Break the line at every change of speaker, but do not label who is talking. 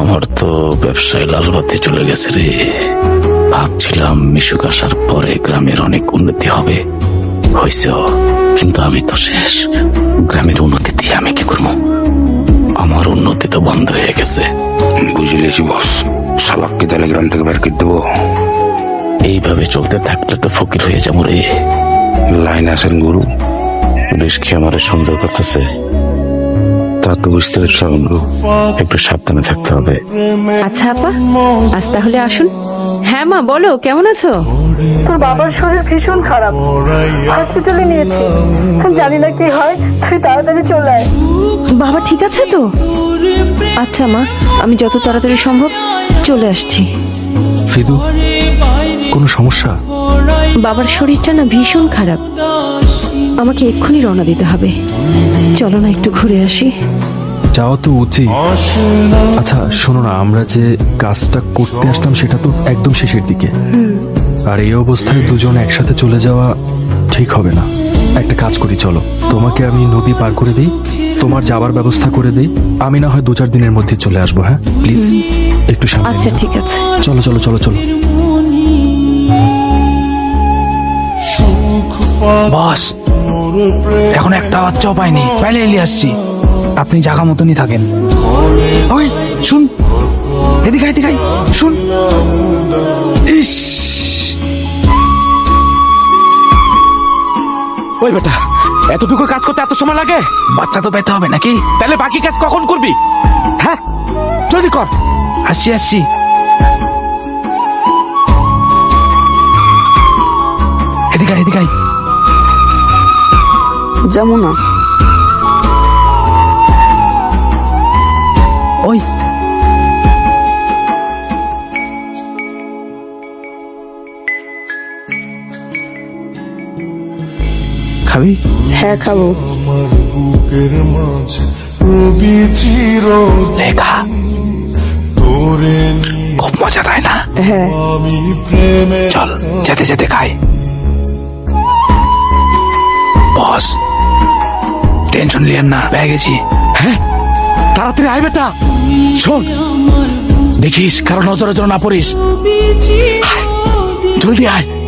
আমার তো ব্যবসায় লালবাতি চলে গেছে রে। ভাবছিলাম মিশুক আসার পরে গ্রামের অনেক উন্নতি হবে, হয়েছেও, কিন্তু আমি তো শেষ। গ্রামের উন্নতি দিয়ে আমি কি করবো? আমার উন্নতি তো বন্ধ হয়ে গেছে।
বুঝলেছি বস, শালাককে তাহলে গ্রাম থেকে বের করে দেবো।
এইভাবে চলতে থাকলে তো ফকির হয়ে যাবো রে।
লাইন আসেন গুরু।
পুলিশ কি আমার সন্দেহ করতেছে?
তা তো বুঝতে পারছি গুরু।
একটু সাবধানে থাকতে হবে।
আচ্ছা আপা, আজ তাহলে আসুন। হ্যাঁ মা, বলো কেমন আছো?
তোর বাবার শরীর ভীষণ খারাপ, হসপিটালে নিয়েছি। জানি না কি হয়, তুই তাড়াতাড়ি চলে আয়।
বাবা ঠিক আছে তো? আচ্ছা মা, আমি যত তাড়াতাড়ি সম্ভব চলে আসছি।
ফিদু, কোনো সমস্যা?
বাবার শরীরটা না ভীষণ খারাপ, আমাকে এক্ষুনি রওনা দিতে হবে। চলো না একটু ঘুরে আসি।
যাওয়া তো উচিত। আচ্ছা শোনো না, আমরা যে কাজটা করতে আসলাম সেটা তো একদম শেষের দিকে, আর এই অবস্থায় দুজন একসাথে চলে যাওয়া ঠিক হবে না। একটা কাজ করি, চলো তোমাকে আমি নদী পার করে দিই, তোমার যাবার ব্যবস্থা করে দিই। আমি না হয় 2-4 দিনের মধ্যে চলে আসবো। হ্যাঁ প্লিজ একটু সামনে
আচ্ছা
নিও।
ঠিক আছে,
চলো চলো চলো চলো।
বস, এখন একটা বাচ্চাও পাইনি, পাইলে এলিয়ে আসছি। আপনি জায়গা মতনই থাকেন। ওই শুন, এদিকে এদিকে শুন। ইস,
ওই বেটা, এতটুকু কাজ করতে এত সময় লাগে?
বাচ্চা তো পেতে হবে নাকি?
তাহলে বাকি কাজ কখন করবি? হ্যাঁ জলদি কর।
আসছি আসছি। এদিকে এদিকে
যমুনা,
ওই খাবি?
হ্যাঁ খাবো।
লেখা খুব মজা, তাই না?
হ্যাঁ
চল যেতে যেতে খাই। বস, টেনশন লিয়েন না, পেয়ে গেছি।
হ্যাঁ তাড়াতাড়ি আয় বেটা। শোন,
দেখিস কারো নজরে যেন না পড়িস।
জলদি আয়।